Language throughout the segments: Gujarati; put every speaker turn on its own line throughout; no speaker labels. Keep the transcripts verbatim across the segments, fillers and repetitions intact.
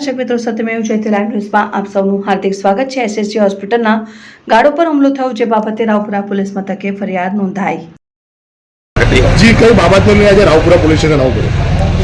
દર્શક મિત્રો સત્યમેવ જયતે લાઈવ ન્યૂઝમાં આપ સૌનું હાર્દિક સ્વાગત છે। એસએસજી હોસ્પિટલના ગાર્ડો પર હુમલો થયો, જે બાબતે રાવપુરા પોલીસ મથકે ફરિયાદ નોંધાઈ।
जी कई बाबत में आज रावपुरा पुलिस स्टेशन आવું પડ્યું?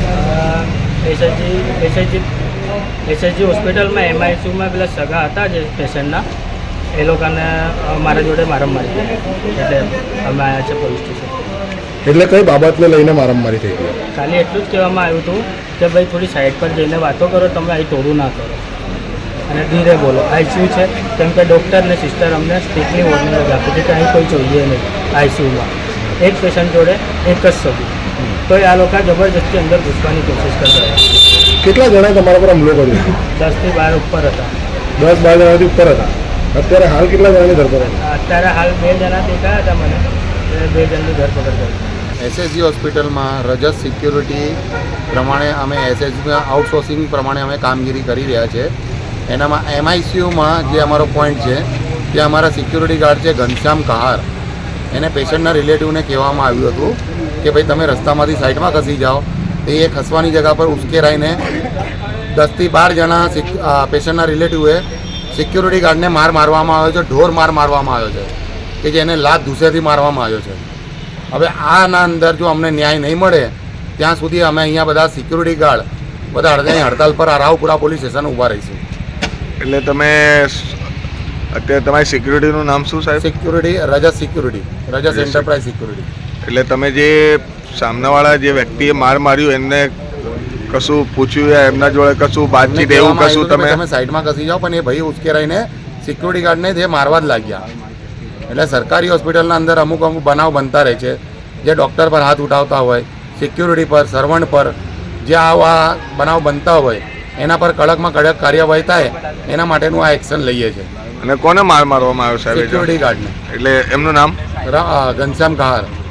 એસએસજી એસએસજી એસએસજી હોસ્પિટલમાં એમઆઈસીયુમાં પેલા સગા હતા જે પેશન્ટના, એ લોકોને મારા જોડે મારામારી થઈ, એટલે અમે આવ્યા છે પોલીસ સ્ટેશન।
એટલે કઈ બાબતને લઈને મારામારી થઈ ગઈ?
ખાલી એટલું જ કહેવામાં આવ્યું હતું કે ભાઈ થોડી સાઈડ પર જઈને વાતો કરો, તમે અહીં તોડું ના કરો અને ધીરે બોલો। આઈસીયુ છે, કેમ કે ડૉક્ટર ને સિસ્ટર અમને સ્ટ્રિક્ટલી વોર્નિંગ આપી છે કે અહીં કોઈ જોઈએ નહીં આઈસીયુમાં। એક પેશન્ટ જોડે એક જ સગું, તો આ લોકો જબરજસ્તી અંદર ઘૂસવાની કોશિશ કરતા હતા।
કેટલા જણા તમારા પર હુમલો કર્યો?
દસથી બાર ઉપર હતા।
દસ બાર જણાથી ઉપર હતા। અત્યારે હાલ કેટલા જણાની ધરપકડ?
અત્યારે હાલ બે જણા દેખાયા હતા મને, એ બે જણની ધરપકડ કરી।
એસએસજી હોસ્પિટલમાં રજત સિક્યુરિટી પ્રમાણે અમે એસએસજીમાં આઉટસોર્સિંગ પ્રમાણે અમે કામગીરી કરી રહ્યા છે। એનામાં એમઆઈસીયુમાં જે અમારો પોઈન્ટ છે ત્યાં અમારા સિક્યુરિટી ગાર્ડ છે ઘનશ્યામ કહાર, એને પેશન્ટના રિલેટિવને કહેવામાં આવ્યું હતું કે ભાઈ તમે રસ્તામાંથી સાઈડમાં ખસી જાઓ, તો એ ખસવાની જગ્યા પર ઉશ્કેરાઈને દસથી બાર જણા પેશન્ટના રિલેટિવે સિક્યુરિટી ગાર્ડને માર મારવામાં આવ્યો છે, ઢોર માર મારવામાં આવ્યો છે કે જેને લાત ધૂસેથી મારવામાં આવ્યો છે। હવે આના અંદર જો અમને ન્યાય નહીં મળે ત્યાં સુધી અમે અહીંયા બધા સિક્યુરિટી ગાર્ડ બધા અડધાની હડતાલ પર રાવપુરા પોલીસ સ્ટેશન ઊભા રહીશું।
એટલે તમે અત્યારે તમારી સિક્યુરિટીનું નામ શું સાહેબ?
Security Rajat security, Rajat enterprise security.
એટલે તમે જે સામનાવાળા જે વ્યક્તિએ માર માર્યું એમને કશું પૂછ્યું, એમના જોડે કશું બાતચીત એવું કશું? તમે
તમે સાઈડમાં ખસી જાઓ, પણ એ ભાઈ ઉશ્કેરાઈને સિક્યુરિટી ગાર્ડને તે મારવા જ લાગ્યા। એટલે સરકારી હોસ્પિટલના અંદર અમુક અમુક બનાવ બનતા રહે છે, જે ડૉક્ટર પર હાથ ઉઠાવતા હોય, સિક્યુરિટી પર, સર્વન્ટ પર જે આવા બનાવ બનતા હોય એના પર કડકમાં કડક કાર્યવાહી થાય, એના માટેનું આ એક્શન લઈએ છીએ।
અને કોને માર મારવામાં આવ્યો સાહેબ?
સિક્યુરિટી ગાર્ડને।
એટલે એમનું નામ?
ઘનશ્યામ કહાર।